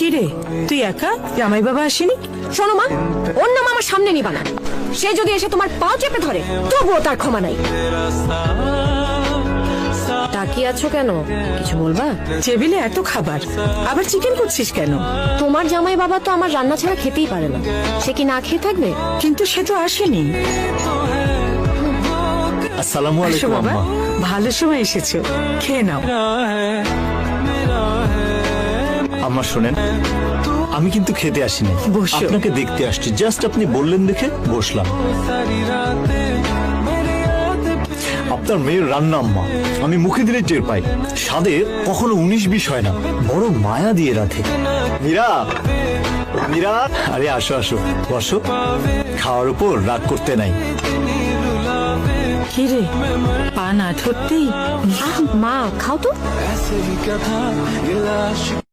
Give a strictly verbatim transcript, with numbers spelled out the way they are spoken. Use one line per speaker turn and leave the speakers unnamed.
কি রে, তুই একা? জামাই বাবা আসেনি?
শোনো মা, ওর নাম আমার সামনে নিবা না। সে যদি এসে তোমার পা চেপে ধরে তবুও তার ক্ষমা নাই। তাকিয়ে আছো কেন, কিছু বলবা?
টেবিলে এত খাবার, আবার চিকেন করছিস কেন?
তোমার জামাই বাবা তো আমার রান্না ছাড়া খেতেই পারে না, সে কি না খেয়ে থাকবে?
কিন্তু সে তো আসেনি।
আসসালামু
আসো
আলাইকুম
বাবা,
আম্মা।
ভালো সময় এসেছো, খেয়ে নাও।
আম্মা শোনেন, আমি কিন্তু খেতে আসিনি,
বসো।
আপনাকে দেখতে আসছি। জাস্ট আপনি বললেন দেখে বসলাম। আপনার মেয়ের রান্না আম্মা আমি মুখে দিলে টের পাই। স্বাদে কখনো উনিশ বিশ হয় না, বড় মায়া দিয়ে রাখে। মীরা, মীরা, আরে আসো আসো, বসো। খাওয়ার উপর রাগ করতে নাই।
কি রে, পা না ধরতেই?
আহ, মা খাও তো।